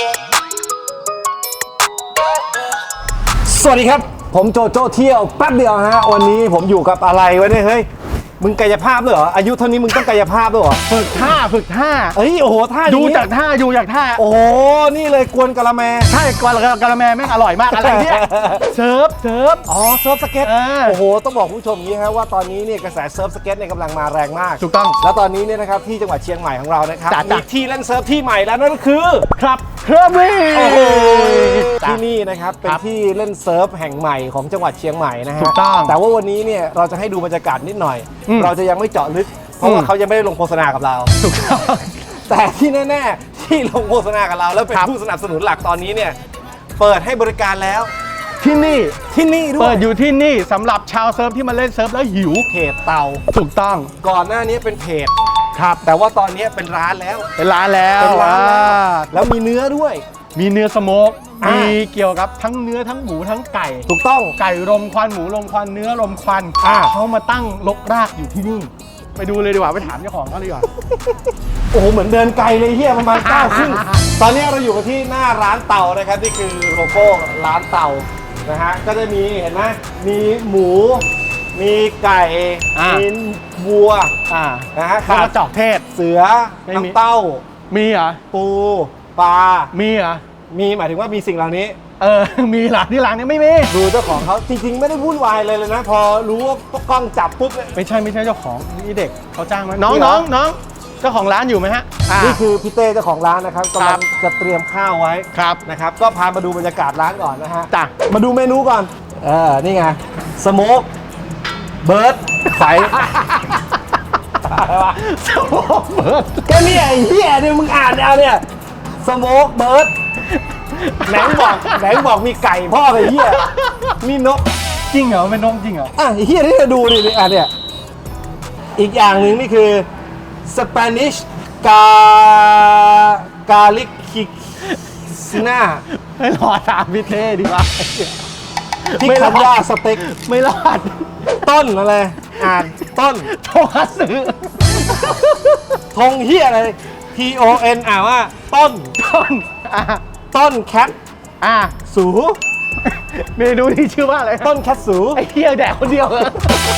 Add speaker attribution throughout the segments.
Speaker 1: สวัสดีครับผมโจโจ้เที่ยวแป๊บเดียวฮะวันนี้ผมอยู่กับอะไรวะเนี่ยเฮ้ยมึงกายภาพด้วยเหรออายุเท่านี้มึงต้องกายภาพด้วยเหรอ
Speaker 2: ฝึกท่า
Speaker 1: เอ้ยโอ้โหท่า
Speaker 2: ดูจากท่า
Speaker 1: โอ้โหนี่เลยกวนกะละแม
Speaker 2: ใช่กะละแมแม่งอร่อยมากอะไรเนี่ยเซิร์ฟ
Speaker 1: อ๋อเซิร์ฟสเก็ตโอ้โหต้องบอกผู้ชมอย่างนี้ฮะว่าตอนนี้เนี่ยกระแสเซิร์ฟสเก็ตเนี่ยกำลังมาแรงมาก
Speaker 2: ถูกต้อง
Speaker 1: แล้วตอนนี้เนี่ยนะครับที่จังหวัดเชียงใหม่ของเรานะครับมีที่เล่นเซิร์ฟที่ใหม่แล้วนั่นก็คือ
Speaker 2: ครับเครื่องวิ่ง
Speaker 1: ที่นี่นะครับเป็นที่เล่นเซิร์ฟแห่งใหม่ของจังหวัดเชียงใหม่นะฮะ
Speaker 2: ถูกต้อง
Speaker 1: แต่ว่าวันนี้เนี่ยเราจะให้ดูบรรยากาศนิดหน่อยเราจะยังไม่เจาะลึกเพราะว่าเขายังไม่ได้ลงโฆษณากับเรา
Speaker 2: ถูกต้อง
Speaker 1: แต่ที่แน่ๆที่ลงโฆษณากับเราแล้วเป็นผู้สนับสนุนหลักตอนนี้เนี่ยเปิดให้บริการแล้ว
Speaker 2: ที่นี่
Speaker 1: ด้วย
Speaker 2: เปิดอยู่ที่นี่สำหรับชาวเซิร์ฟที่มาเล่นเซิร์ฟแล้วหิว
Speaker 1: เพจเตา
Speaker 2: ถูกต้อง
Speaker 1: ก่อนหน้านี้เป็นเพจครับแต่ว่าตอนนี้เป็นร้านแล้วแล้วมีเนื้อด้วย
Speaker 2: มีเนื้อสโมกมีเกี่ยวกับทั้งเนื้อทั้งหมูทั้งไก่
Speaker 1: ถูกต้อง
Speaker 2: ไก่รมควันหมูรมควันเนื้อรมควันเขามาตั้งรกรากอยู่ที่นี่ไปดูเลยดีกว่าไปถามเจ้าของเขาเลยดีกว่า
Speaker 1: โอ้โหเหมือนเดินไกลเลยเฮียประมาณ9 ครึ่งตอนนี้เราอยู่กันที่หน้าร้านเต่านะครับนี่คือโลโก้ร้านเต่านะฮะก็จะมีเห็นไหมมีหมูมีไก่มีวัว
Speaker 2: นะฮะข้าวจอกเทศ
Speaker 1: เสือน้ำเต้า
Speaker 2: มีเหรอ
Speaker 1: ปูปลา
Speaker 2: มีเหรอ
Speaker 1: มีหมายถึงว่ามีสิ่งเหล่านี้
Speaker 2: มีหลักที่ร้านนี้ไม่มี
Speaker 1: ดูเจ้าของเขาจริงๆไม่ได้วุ่นวายเลยนะพอรู้ว่ากล้องจับปุ๊บ
Speaker 2: ไม่ใช่เจ้าของนี่เด็กเขาจ้างมาน้องเจ้าของร้านอยู่ไหมฮะ
Speaker 1: นี่คือพี่เต้เจ้าของร้านนะครับกำลังจะเตรียมข้าวไว้นะครับก็พามาดูบรรยากาศร้านก่อนนะฮะมาดูเมนูก่อนนี่ไงสโมกเบิร์ดไฟ
Speaker 2: สโมกเบิร์ด
Speaker 1: ก็นี่ไอ้เหี้ยเนี่ยมึงอ่านเอาเนี่ยสโมกเบิร์ดไหนบอกมีไก่พ่อไอ้เหี้ยมีนก
Speaker 2: จริงเหรอเป็นนกจริงเหรอ
Speaker 1: ไอ้เหี้ยนี่จะดูดิเนี่ยอีกอย่างหนึ่งนี่คือสเปนิชกาลิกคิซิน่า
Speaker 2: ไม่รอถามพี่เท่ดีกว่า
Speaker 1: ที่คำว่าสเต็ก
Speaker 2: ไม่รอด
Speaker 1: ต้นอะไรอ่านต้น
Speaker 2: โทคัตสึ
Speaker 1: ธงเหี้ยอะไร TON อ่านว่าต้นแคทสู
Speaker 2: เมนูที่ชื่อว่าอะไร
Speaker 1: ต้นแคทสู
Speaker 2: ไอ้เหี้ยแดกคนเดียวเลย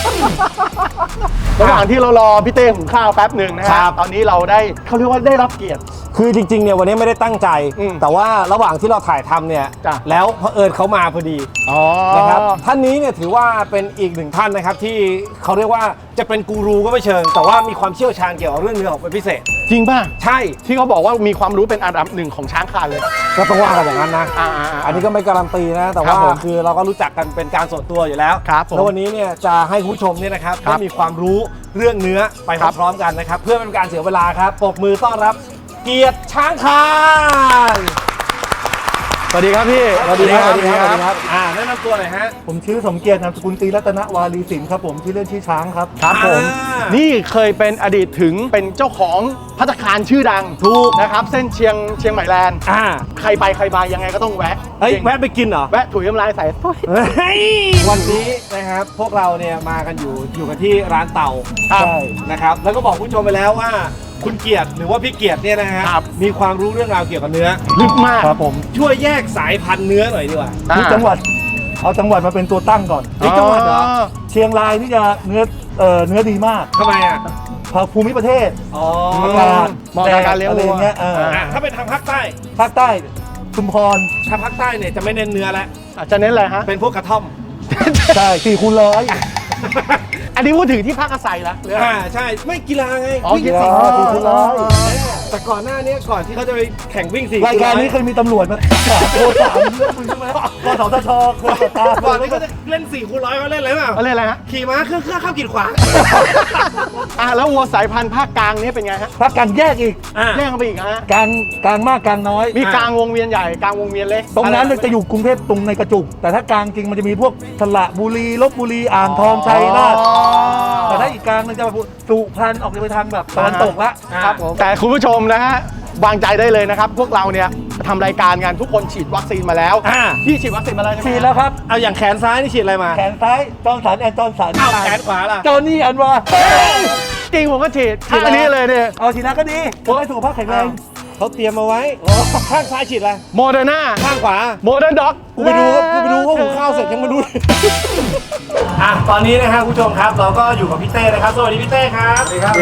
Speaker 2: ระหว่างที่เรารอพี่เต้หุงข้าวแป๊บหนึ่งนะครับตอนนี้เราได้เขาเรียกว่าได้รับเกียรติ
Speaker 1: คือจริงๆเนี่ยวันนี้ไม่ได้ตั้งใจแต่ว่าระหว่างที่เราถ่ายทำเนี่ยแล้วเผอิญเขามาพอดีนะครับท่านนี้เนี่ยถือว่าเป็นอีกหนึ่งท่านนะครับที่เขาเรียกว่าจะเป็นกูรูก็ไม่เชิงแต่ว่ามีความเชี่ยวชาญเกี่ยวกับเรื่องเนื้อเป็นพิเศษ
Speaker 2: จริงป่ะ
Speaker 1: ใช่
Speaker 2: ที่เขาบอกว่ามีความรู้เป็นอันดับ1ของช้างคานเลย
Speaker 1: ก็ต้องว่ากันอย่างนั้นนะอันนี้ก็ไม่การันตีนะแต่ว่าคือเราก็รู้จักกันเป็นการส่วนตัวอยู่แล้วแล้ววันนี้เนี่ยจะให้คุณผู้ชมเนี่ยนะครับได้มีความรู้เรื่องเนื้อไปพร้อมๆกันนะครับเพื่อเป็นการเสียเวลาครับปรบมือต้อนรับเกียรติช้างคาน
Speaker 2: สวัสดีครับพี่
Speaker 1: สวัสดีครับแนะนำตัวหน่อยฮะ
Speaker 3: ผมชื่อสมเกียรตินามสกุลตรีรัตนวารีสินครับผมชื่อเล่นชื่อช้างครับ
Speaker 2: ครับผมนี่เคยเป็นอดีตถึงเป็นเจ้าของภัตตาคารชื่อดัง
Speaker 1: ถูก
Speaker 2: นะครับเส้นเชียงใหม่แลนด์ใครไปใครมายังไงก็ต้องแวะ
Speaker 1: แวะไปกินเหรอ
Speaker 2: แวะถุยน้ำลายใส่
Speaker 1: วันนี้นะครับพวกเราเนี่ยมากันอยู่กันที่ร้านเต่าใช่นะครับแล้วก็บอกผู้ชมไปแล้วว่าคุณเกียรติหรือว่าพี่เกียรติเนี่ยนะฮะมีความรู้เรื่องราวเกี่ยวกับเนื้อ
Speaker 2: ลึกมาก
Speaker 1: ครับผมช่วยแยกสายพันธุ์เนื้อหน่อยดีกว่า
Speaker 3: ที่จังหวัดเอาจังหวัดมาเป็นตัวตั้งก่อน
Speaker 1: ที่จังหวัดเหรอ
Speaker 3: เชียงรายนี่จะเนื้อดีมาก
Speaker 1: ทำไมอ่ะ
Speaker 3: ภูมิประเทศ
Speaker 1: อากาศ
Speaker 2: เหมาะกับการเลี้ยงวัว
Speaker 1: ถ้าเป็นทางภาคใ
Speaker 3: ต้ชุมพร
Speaker 1: ทางภาคใต้เนี่ยจะไม่เน้นเนื้อแล้ว
Speaker 2: จะเน้นอะไรฮะ
Speaker 1: เป็นพวกกระท่อม
Speaker 3: ใช่4x100
Speaker 2: อันนี้พูดถึงที่พักอาศัยแล้ว
Speaker 1: ใช่ไม่กีฬาไง
Speaker 3: วิ่ง
Speaker 1: 4x100แต่ก่อนหน้านี้ก่อนที่เขาจะไปแข่งวิ่ง4x100
Speaker 3: รายการนี้เคยมีตำรวจมาโทรถามใช่ไหมกสทชเคยตาม
Speaker 1: ก่อนที่เขาจะเล่น4x100เขาเล่นอะไรบ้าง
Speaker 2: เขาเล่นอะไรฮะ
Speaker 1: ขี่ม้าเครื่องข้ามกีดขวาง
Speaker 2: แล้ววัวสายพันธุ์ภาคกลางนี่เป็นไงฮะ
Speaker 3: ภาคกลางแยกอีก
Speaker 2: แยกกันไปอีกฮะ
Speaker 3: กลางมากกลางน้อย
Speaker 2: มีกลางวงเวียนใหญ่กลางวงเวียนเล็ก
Speaker 3: ตรงนั้นจะอยู่กรุงเทพตรงในกระจุกแต่ถ้ากลางจริงมันจะมีพวกสระบุรีลพบุรีอ่างทองชัยนาทแต่ถ้าอีกกลางมันจะสุพรรณออกไปทางแบบตะวันตกละ
Speaker 2: ครับผมแต่คุณผู้ชมนะฮะวางใจได้เลยนะครับพวกเราเนี่ยทำรายการกันทุกคนฉีดวัคซีนมาแล้วพี่ฉีดวัคซีนมาแล้วใช่ไหม
Speaker 3: ฉีดแล้วครับ
Speaker 1: เอาอย่างแขนซ้ายนี่ฉีดอะไรมา
Speaker 3: แขนซ้ายจอห์นสันแอนจอห์นสัน
Speaker 1: แขนขวาล่ะ
Speaker 3: จอห์นนี่อันวา
Speaker 2: จริงผมก็ฉีดอันนี้เลยเนี่ย
Speaker 3: เอาฉีดแล้วก็ดีผมให้สุขภาพแข็งแรง
Speaker 1: เขาเตรียมมาไว้ข้างซ้ายฉีดอะไร
Speaker 2: โมเดอร์นา
Speaker 1: ข้างขวา
Speaker 2: โมเดิร์นด็อก
Speaker 1: กูไปดูว่าหุงข้าวเสร็จยังมาดู อ่ะตอนนี้นะครับคุณผู้ชมครับเราก็อยู่กับพี่เต้นะครับสวัสดีพี่เต้ครับสวัสดีครับ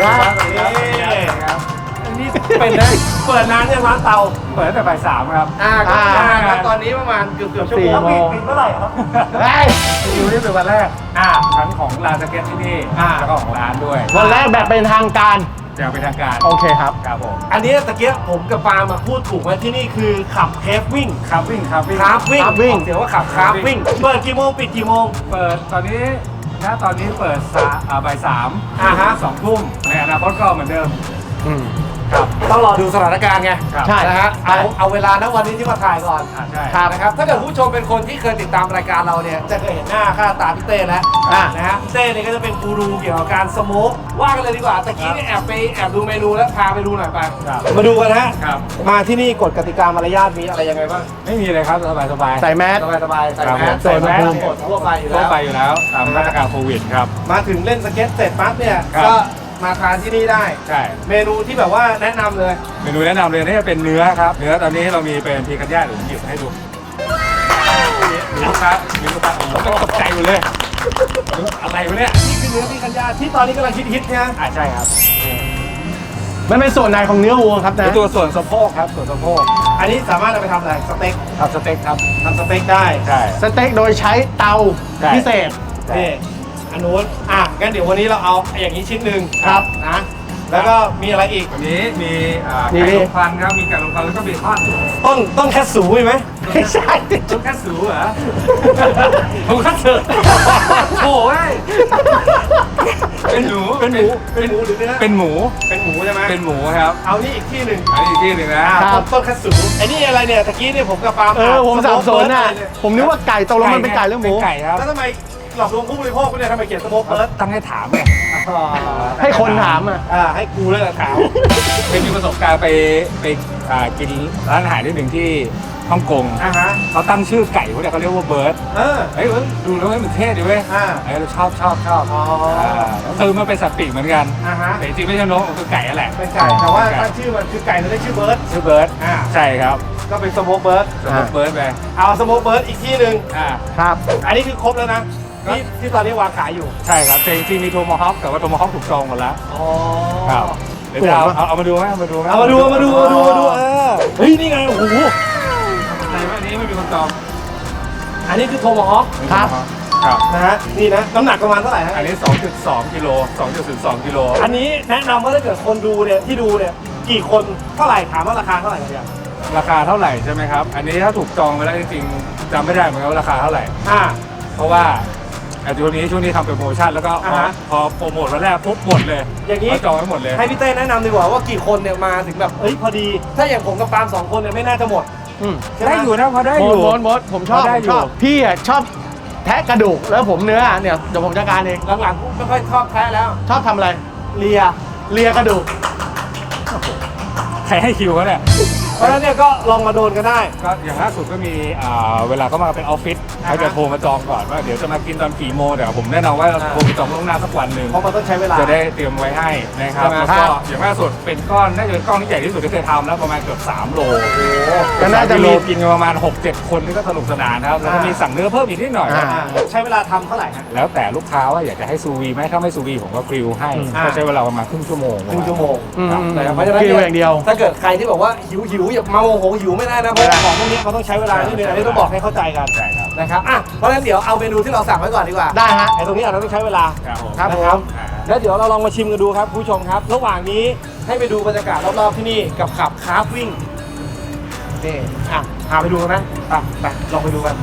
Speaker 1: นี่เป็นนะเปิดนานยังร้านเตา
Speaker 4: เปิดตั้งแต่บ่ายสามครับ
Speaker 1: ก็ครับตอนนี้ประมาณเกือบชั่วโมงปิดเมื่อไหร่ครับ
Speaker 4: อยู่นี่เป็นวันแรกทั้งของร้านสเก็ตที่นี่แล้วก็ของร้านด้วย
Speaker 2: วันแรกแบบเป็นทางการ
Speaker 4: จะเป็นทางการ
Speaker 2: โอเคครับ
Speaker 4: ครับผม
Speaker 1: อันนี้ตะเกียบผมกับปามาพูดถูกไหมที่นี่คือขับเคฟวิ่ง
Speaker 4: ครับวิ่ง
Speaker 1: คราฟวิ่งเดี๋ยวว่าขับคราฟวิ่งเปิดกี่โมงปิดกี่โมง
Speaker 4: เปิดตอนนี้ตอนนี้เปิดบ่ายสาม
Speaker 1: ฮะ
Speaker 4: 2 ทุ่มในอนาคตก็เหมือนเดิม
Speaker 1: ครับต้องรอดูสถานการณ์ไง
Speaker 4: ครับ
Speaker 2: ใช่
Speaker 1: นะฮะเอาเวลาณวันนี้ที่มาถ่ายก่อน
Speaker 4: ใช่
Speaker 1: นะครับถ้าเกิดผู้ชมเป็นคนที่เคยติดตามรายการเราเนี่ยจะเคยเห็นหน้าค่าตาพี่เต้แล้วนะฮะพี่เต้เนี่ยก็จะเป็นกูรูเกี่ยวกับการสโมกว่ากันเลยดีกว่าตะกี้เนี่ยแอบดูเมนูแล้วพาไปดูหน่อยไปมาดูกันฮะ
Speaker 4: ครับ
Speaker 1: มาที่นี่กฎกติกามารยาทมีอะไรยังไงบ้าง
Speaker 4: ไม่มีเลยครับสบาย
Speaker 2: ใส่แมส
Speaker 1: สบายใส่แมส
Speaker 4: ใส่แมส
Speaker 1: กฎทั่วไปอยู่
Speaker 4: ทั่
Speaker 1: แล้ว ว
Speaker 4: ไปอยู่แล้วตามมาตรการโควิดครับ
Speaker 1: มาถึงเล่นสเก็ตเสร็จปั๊บเนี่ย
Speaker 4: ครับ
Speaker 1: ก็มาทานที่นี่ได้
Speaker 4: ใช่
Speaker 1: เมนูที่แบบว่าแนะนำเลย
Speaker 4: เมนูแนะนำเลยนี่จะเป็นเนื้อครับเนื้อตอนนี้เรามีเป็นพีคันย่าเดี๋ยวผมหยิบให้ดูมีลูกค้าโอ้โหตกใจหมดเลยอะไรวะเนี่ย
Speaker 1: นี่คือเนื้อพี่กัญญาที่ตอนนี้กำลังฮิตๆเนี่ย
Speaker 4: ใช่ครับ
Speaker 2: มันเป็นส่วนไหนของเนื้อวัวครับนะ
Speaker 4: เป็นตัวส่วนสะโพกครับส่วนสะโพก
Speaker 1: อันนี้สามารถเอาไปทำอะไรสเต็ก
Speaker 4: ทำสเต็กครับ
Speaker 1: ทำสเต็กได้
Speaker 4: ใช่
Speaker 2: สเต็กโดยใช้เตา
Speaker 4: ใช่
Speaker 2: พิเศษ
Speaker 1: นี่อันนู้นงั้นเดี๋ยววันนี้เราเอาอย่างนี้ชิ้นหนึ่ง
Speaker 2: ครับ
Speaker 1: นะแล้วก็มีอะไรอีก
Speaker 4: วันนี้มี
Speaker 2: นี่
Speaker 4: ไก่ลมควันครับมีไก่ลมควันแล้วก็เบคอน
Speaker 1: ต้นแคสสูมีไหม
Speaker 2: ไม่ใช่
Speaker 4: ต้นแค่สูเหรอผมก็เถอะโอ้ยเป็นหมู
Speaker 1: เป็นหมูหรือเนื้อ
Speaker 4: เป็นหมู
Speaker 1: เป็นหมูใช่ไหม
Speaker 4: เป็นหมูครับ
Speaker 1: เอานี่อีกที่หนึ่ง
Speaker 4: อันนี้อีกที่หนึ่งนะ
Speaker 1: ต้นแคสสูไอ้นี่อะไรเนี่ยตะกี้เนี่ยผมกับปาล์ม
Speaker 2: ผมสับสนน่ะ
Speaker 1: สโมกเบิร์ดอะไรเนี่ย
Speaker 2: ผมนึกว่าไก่ตกลงมันเป็นไก่หรือหมู
Speaker 4: เป็นไก่ครับ
Speaker 1: แล้วทำไมหลอกลวงผู้บริโภคเนี่ยทำไมเขียนสโมกเบิร์ด
Speaker 4: ตั้งให้ถามไง
Speaker 2: ให้คนถามอ่ะ
Speaker 1: ให้กูเลยถาม
Speaker 4: เคยมีประสบการณ์ไปกินร้านอาหารที่หนึ่งที่ฮ่องกง
Speaker 1: ฮะ
Speaker 4: เขาตั้งชื่อไก่พวกเนี้ยเขาเรียกว่าเบิร์ดเฮ้ยดูแล้วมันเท่ดีเว้ยเราชอบคือมันเป็นสัตว์ปีกเหมือนกันแต่จริงๆไม่ใช่นกมันคือไก่นั่นแหละ
Speaker 1: เป็นไก่แต่ว่าตั้งชื่อมันคือไก่มันได้ชื่อเบิร์ด
Speaker 4: ชื่อเบิร์ดใช่ครับ
Speaker 1: ก็เป็นสโมกเบิร์ด
Speaker 4: สำหรับเบิร์ดไป
Speaker 1: เอาสโมกเบิร์ดอีกที่หนึ่ง
Speaker 2: ครับ
Speaker 1: อันนี้คือครบแล้วนะที่ตอนนี้วางขายอยู่
Speaker 4: ใช่ครับแต่จริงๆมีโทมาฮอคแต่ว่าโทมาฮอคถูกจองหมดแล้ว
Speaker 1: อ๋อ
Speaker 4: ครับเดี๋ยวจะเอามาดูไหมเอามาดูไหม
Speaker 1: เอามาดูเฮ้ยนี่ไงโอ้โห
Speaker 4: ในวันนี้ไม่มีคนจอง
Speaker 1: อันนี้คือโทมาฮอค
Speaker 2: ครับ
Speaker 4: ครับ
Speaker 1: นะฮะนี่นะน้ำหนักประมาณเท่าไหร่ฮะ
Speaker 4: อันนี้ 2.2 กิโล 2.02 กิโล
Speaker 1: อันนี้แนะนำว่าถ้าเกิดคนดูเนี่ยที่ดูเนี่ยกี่คนเท่าไหร่ถามว่าราคาเท่าไหร่กันเนี่ย
Speaker 4: ราคาเท่าไหร่ใช่ไหมครับ อันนี้ถ้าถูกจองไปแล้วจริงๆจำไม่ได้เหมือนกันว่าราคาเท่าไหร่ เพราะว่าช่วงนี้ทำเป็นโปรโมชั่นแล้วก็พอโปรโมทวันแรกปุ๊บหมดเลย
Speaker 1: อย่างนี้
Speaker 4: เขาจองไว้หมดเลย
Speaker 1: ให้พี่เต้แนะนำดีกว่าว่ากี่คนเนี่ยมาถึงแบบพอดี ถ้าอย่างผมกับปาล์ม2 คนเนี่ยไม่น่าจะหมด
Speaker 4: ได้อยู่นะพอได้
Speaker 2: ห
Speaker 4: อยู่
Speaker 2: มดผมชอบ
Speaker 4: ได้
Speaker 2: ผม
Speaker 4: อยู่
Speaker 2: ชอบพี่อ่ะชอบแทะกระดูกแล้วผมเนื้อเนี่ยเดี๋ยวผมจัดการเอง
Speaker 1: หลังๆไม่ค่อยชอบแพ้แล้ว
Speaker 2: ชอบทำอะไร
Speaker 1: เลีย
Speaker 2: เลียกระดูก
Speaker 4: ใครให้คิวเขาเนี่ย
Speaker 1: เพราะฉะนั้นเนี่ยก็ลองมาโดนกันได้
Speaker 4: ก็อย่างล่าสุดก็มีเวลาเขามาเป็นออฟฟิศเขาจะโทรมาจองก่อนว่าเดี๋ยวจะมากินตอนกี่โมงแต่ผมแน่นอนว่าโทรไปจองล่วงหน้าสักวันหนึ่ง
Speaker 1: เพราะมันต้องใช้เวลา
Speaker 4: จะได้เตรียมไว้ให้นะครับ
Speaker 1: ใช่ไหม
Speaker 4: แล้วก็อย่างล่าสุดเป็นก้อนน่าจะเป็นก้อนที่ใหญ่ที่สุดที่เคยทำแล้วประมาณเกือบ3 โล
Speaker 2: ก็น่าจะ
Speaker 4: 3
Speaker 2: มี
Speaker 4: โลกินกันประมาณ 6-7 คนนี่ก็สนุกสนานนะครับแล้วก็มีสั่งเนื้อเพิ่มอีกนิดหน่อย
Speaker 1: ใช้เวลาทำเท่าไหร่ฮะ
Speaker 4: แล้วแต่ลูกค้าว่าอยากจะให้ซูวีไหมถ้าไม่ซูวีผมก็กริลให้ก็ใช้เวลาประมาณครึ่งชั่วโมง
Speaker 1: ครึ่งชั่วโมง
Speaker 4: ครับ
Speaker 1: เพราะฉะนั้น
Speaker 2: คิวอย่างเดียว
Speaker 1: ถ้าเกิดใครที่บอกว่าหิวอย่ามาโมโหหิวไม่ได้นะเพราะว่าของพวกนี้เขาต้องใช้เวลานิดนึงอันนี้ต้องบอกให้เข้าใจกัน
Speaker 4: ใช่ครับ
Speaker 1: นะครับเพราะฉะนั้นเดี๋ยวเอาเมนูที่เราสั่งไว้ก่อนดีกว่า
Speaker 2: ได้ฮะ
Speaker 1: ไอ้ตรงนี้อาจจะต้องใช้เวลา
Speaker 4: ครับผม
Speaker 1: นะครับแล้วเดี๋ยวเราลองมาชิมกันดูครับผู้ชมครับ ระหว่างนี้ให้ไปดูบรรยากาศรอบๆที่นี่กับขับคราฟวิ่งนี่พาไปดูกันไหมไปลองไปดูกัน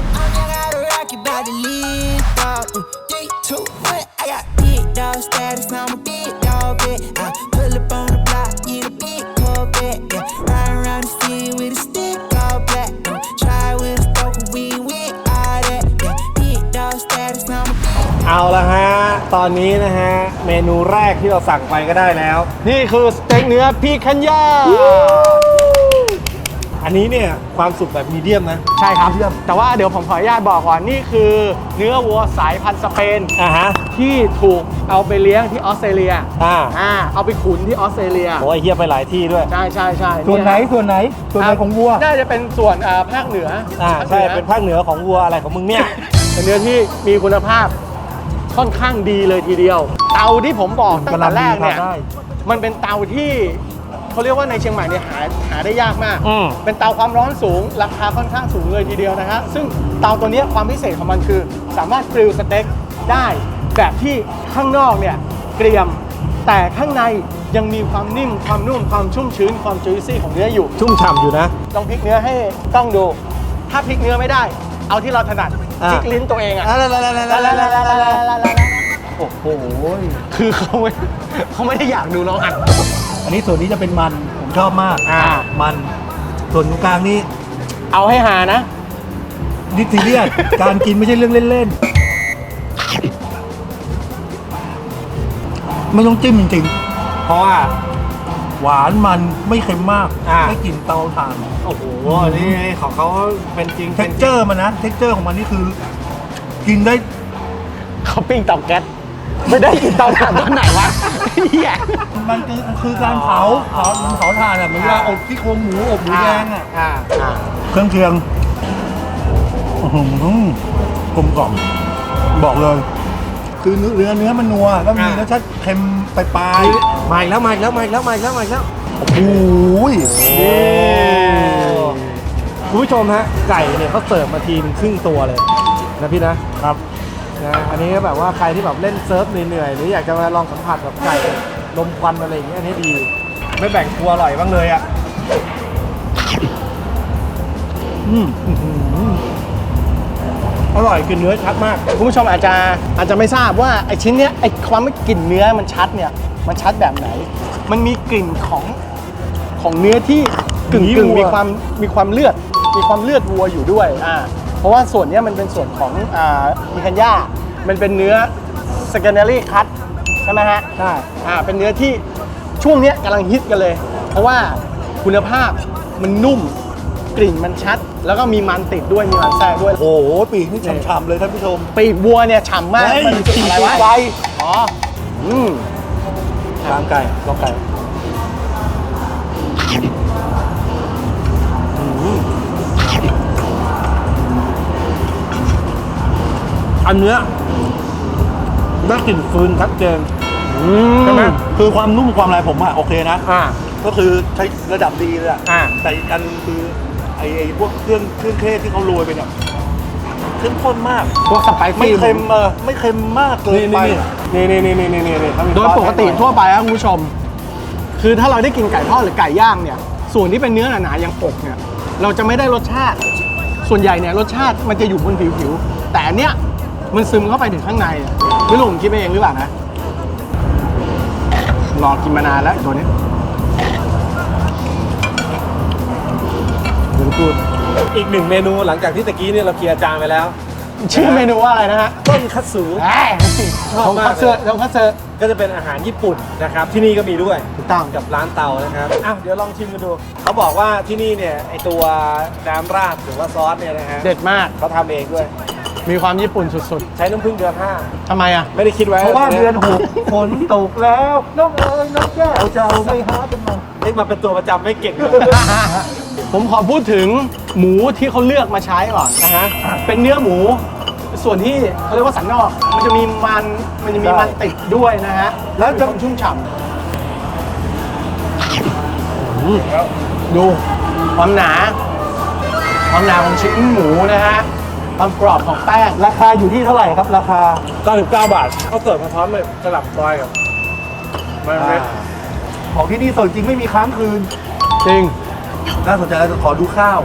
Speaker 5: About to leave, dog. 3, 2, 1. I got big dog status. I'm a big dog, bet. I pull up on the block in a big Corvette. Yeah, ride around the city with a stick all black. Try with a stroke, we with all that. Yeah, big dog status. I'm a big.
Speaker 1: เอาละฮะตอนนี้นะฮะเมนูแรกที่เราสั่งไปก็ได้แล้ว
Speaker 2: นี่คือสเต็กเนื้อพี่คันย่า
Speaker 1: อันนี้เนี่ยความสุกแบบมีเดียมนะ
Speaker 2: ใช่ครับแต่ว่าเดี๋ยวผมขออนุญาตบอกก่อนนี่คือเนื้อวัวสายพันธุ์สเปน
Speaker 1: ฮะ
Speaker 2: ที่ถูกเอาไปเลี้ยงที่ออสเตรเลียเอาไปขุนที่ออสเตรเลีย
Speaker 1: โอ้ยเฮียไปหลายที่ด้วย
Speaker 2: ใช่
Speaker 3: ส่วนไหนของวัว
Speaker 2: น่าจะเป็นส่วนภาคเหนือ
Speaker 1: ใช่เป็นภาคเหนือของวัวอะไรของมึงเนี่ย
Speaker 2: เป็นเนื้อที่มีคุณภาพค่อนข้างดีเลยทีเดียว เตาที่ผมบอกตั้งแต่แรกเนี่ยมันเป็นเตาที่เขาเรียกว่าในเชียงใหม่เนี่ยหาได้ยากมาก เป็นเตาความร้อนสูงราคาค่อนข้างสูงเลยทีเดียวนะฮะซึ่งเตาตัวนี้ความพิเศษของมันคือสามารถกริลสเต็กได้แบบที่ข้างนอกเนี่ยเกรียมแต่ข้างในยังมีความนิ่มความนุ่มความชุ่มชื้นความจุยซี่ของเนื้ออยู่
Speaker 1: ชุ่มฉ่ำอยู่นะ
Speaker 2: ลองพลิกเนื้อให้ต้องดู ถ้าพลิกเนื้อไม่ได้ เอาที่เราถนัดพลิกลิ้นตัวเองอ่ะโอ้โหคือเขาไม่ได้อยากดูเราอัด
Speaker 3: อันนี้ส่วนนี้จะเป็นมันผมชอบมากมันส่วนตรงกลางนี่
Speaker 2: เอาให้หานะ
Speaker 3: ดิซีเรียส การกินไม่ใช่เรื่องเล่นๆไม่ต้องจิ้มจริง
Speaker 1: เพราะว่า
Speaker 3: ๆหวานมันไม่เค็มมากไม่กลิ่นเตาถ่าน
Speaker 1: โอ้โหนี่ของเขาเป็นจริง
Speaker 3: เท็กเจอร์มันนะเท็กเจอร์ของมันนี่คือ กินได้
Speaker 2: เขาปิ้งเตาแก๊สไม่ได้กินเตาถ่านตรงไหนวะเหี้ย
Speaker 3: มันคือการเผาถ่านอ่ะเหมือนเวลาอบที่โครงหมูอบหมูแดงอ่ะเครื่องเคียงกลมกล่อมบอกเลย คือเนื้อมันนัวแล้วมีรสชาติเค็มปลาย
Speaker 1: มาอีกแล้ว
Speaker 3: โอ้โห
Speaker 1: คุณผู้ชมฮะไก่เนี่ยเขาเสิร์ฟมาทีมครึ่งตัวเลยนะพี่นะครับอันนี้ก็แบบว่าใครที่แบบเล่นเซิร์ฟเหนื่อยๆหรืออยากจะมาลองสัมผัสแบบไก่ลมควันอะไรอย่างเงี้ยอันนี้ดี ไม่แบ่งครัวอร่อยบ้างเลยอ่ะอร่อยคือเนื้อชัดมาก
Speaker 2: คุณผู้ชมอาจจะไม่ทราบว่าไอชิ้นเนี้ยไอความไม่กลิ่นเนื้อมันชัดเนี่ยมันชัดแบบไหน มันมีกลิ่นของเนื้อที่กึ่งมีความเลือดวัวอยู่ด้วยเพราะว่าส่วนนี้มันเป็นส่วนของมีคันย่ามันเป็นเนื้อ secondary cut ใช่ไหมฮะใช่เป็นเนื้อที่ช่วงนี้กำลังฮิตกันเลย เพราะว่าคุณภาพมันนุ่มกลิ่นมันชัดแล้วก็มีมันติดด้วยมีมันแทรกด้วย
Speaker 3: โอ้โหปีกนี่ฉ่ำๆเลยท่านผู้ชม
Speaker 2: ปีกวัวเนี่ยฉ่ำมากมันอะไรวะไฟอ๋อ
Speaker 3: ลองไก่
Speaker 1: อันเนื้อได้กลิ่นฟืนชัดเจนใช่ไหม
Speaker 3: คือความนุ่มความอะไรผมอะโอเคนะก็คือใช้ระดับดีเลยแต่อีกอันคือไอ้พวกเครื่องเทศที่เขาโรยไปเนี่ยเข้มข้นมาก
Speaker 2: พวกสไปซี่
Speaker 3: ไม่เค็มไม่เค็มมากเกินไป
Speaker 1: นี่
Speaker 2: โดยปกติทั่วไปครับคุณผู้ชมคือถ้าเราได้กินไก่ทอดหรือไก่ย่างเนี่ยส่วนที่เป็นเนื้อหนาๆอย่างอกเนี่ยเราจะไม่ได้รสชาติส่วนใหญ่เนี่ยรสชาติมันจะอยู่บนผิวแต่อันเนี้ยมันซึมเข้าไปถึงข้างในไม่รู้ผมคิดไปเองหรือเปล่านะรอกินมานานแล้วตัวนี้
Speaker 1: อีกหนึ่งเมนูหลังจากที่ตะกี้เนี่ยเราเคลียร์จานไปแล้ว
Speaker 2: ชื่อเมนูว่าอะไรนะฮะ
Speaker 1: ต้นคัตสึ
Speaker 2: ของคัตสึ
Speaker 1: ก็จะเป็นอาหารญี่ปุ่นนะครับที่นี่ก็มีด้วย
Speaker 2: ถูกต้อง
Speaker 1: กับร้านเตานะครับเดี๋ยวลองชิมกันดูเขาบอกว่าที่นี่เนี่ยไอตัวน้ำราดหรือว่าซอสเนี่ยนะฮะ
Speaker 2: เด็ดมาก
Speaker 1: เขาทำเองด้วย
Speaker 2: มีความญี่ปุ่นสุด
Speaker 1: ๆใช้น้ำผึ้งเดือน 5ทำไม
Speaker 2: ไม่ได้คิดไว้
Speaker 3: เพราะว่าเดือน 6ฝนตกแล้วน้องแก้วเจ้าไม่หาเป็น
Speaker 1: มาเป็นตัวประจำไม่เก่งเลย
Speaker 2: ผมขอพูดถึงหมูที่เขาเลือกมาใช้ก่อนนะฮะเป็นเนื้อหมูส่วนที่เขาเรียกว่าสันนอกมันจะมีมันติดด้วยนะฮะแล้วจะชุ่มฉ่ำดูความหนาของชิ้นหมูนะฮะความกรอบของแป้ง
Speaker 3: ราคาอยู่ที่เท่าไหร่ครับราคา
Speaker 1: 99 บาทเขาเสิร์ฟมาพร้อมเลยสลับซอยกับ
Speaker 3: ของที่นี่สดจริงไม่มีค้างคืน
Speaker 2: จริง
Speaker 3: น่าสนใจขอดูข้าว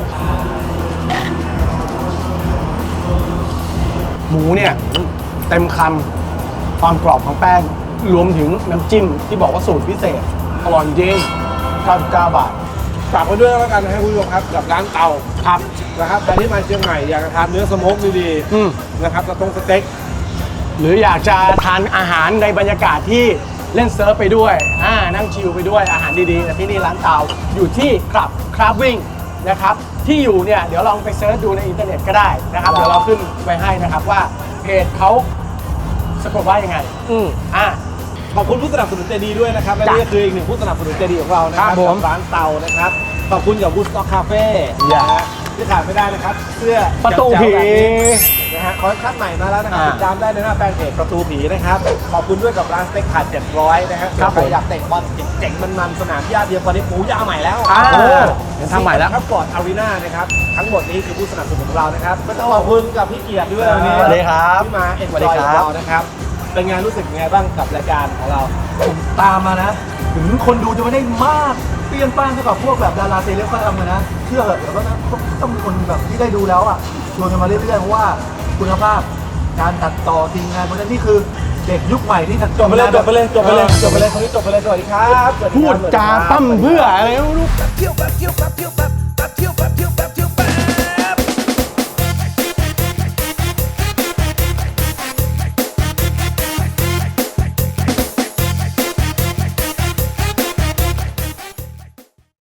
Speaker 2: หมูเนี่ยเต็มคำความกรอบของแป้งรวมถึงน้ำจิ้มที่บอกว่าสูตรพิเศษอร่อยจริง99 บาท
Speaker 1: ฝากไว้ด้วยแล้วกันนะครับคุณผู้ชมครับกับร้านเตาครับนะครับใครที่มาเชียงใหม่อยากจะทานเนื้อสโมกดีๆนะครับสเต็ก
Speaker 2: หรืออยากจะทานอาหารในบรรยากาศที่เล่นเซิร์ฟไปด้วยนั่งชิลไปด้วยอาหารดีๆแต่ที่นี่ร้านเตาอยู่ที่คลับวิ่งนะครับที่อยู่เนี่ยเดี๋ยวลองไปเซิร์ชดูในอินเทอร์เน็ตก็ได้นะครับเดี๋ยวเราขึ้นไว้ให้นะครับว่าเพจเขาสะกดว่ายังไง
Speaker 1: ขอบคุณผู้สนับสนุนใจดีด้วยนะครับและนี่ก็คืออีกหนึ่งผู้สนับสนุนใจดีของเรานะครับกับร้านเตานะครับขอบคุณกับบูสต็อกคาเฟ่นะฮะที่ขาดไม่ได้นะครับเสื้อ
Speaker 2: ประตูผี
Speaker 1: นะฮะคอลเลคชั่นใหม่มาแล้วนะครับติดตามได้ในหน้าแฟนเพจประตูผีนะครับขอบคุณด้วยกับร้านสเต็กขาด700นะครับใครอยากเตะบอลเจ๋งๆมันๆสนามหญ้าเดียวตอนนี้ปูหญ้าใหม่แล้ว
Speaker 2: ยังทำใหม่แล้ว
Speaker 1: ครับก่อนอารีนานะครับทั้งหมดนี้คือผู้สนับสนุนของเรานะครับก็ต้องขอบคุณกับพี่เกียรติด้วยวันนี้
Speaker 2: สวัสดีครับ
Speaker 1: ที่มาเอ็นจอยกับเรานะครับเป็นไงรู้สึกยังไงบ้างกับรายการของเรา
Speaker 3: ผมตามมานะถึงคนดูจะไม่ได้มากเปรี้ยงป้างเท่ากับพวกแบบดาราเซเลบเขาทำกันนะเชื่อเหอะเดี๋ยวก็ต้องมีคนแบบที่ได้ดูแล้วอ่ะชวนกันมาเรื่อยๆเพราะว่าคุณภาพการตัดต่อทีมงานเพราะฉะนั้นนี่คือเด็กยุคใหม่ที่
Speaker 1: จบไปเลยคนนี้จบไปเลยสวัสดีครับ
Speaker 2: พูดจาปั้มเพื่ออะไรไม่รู้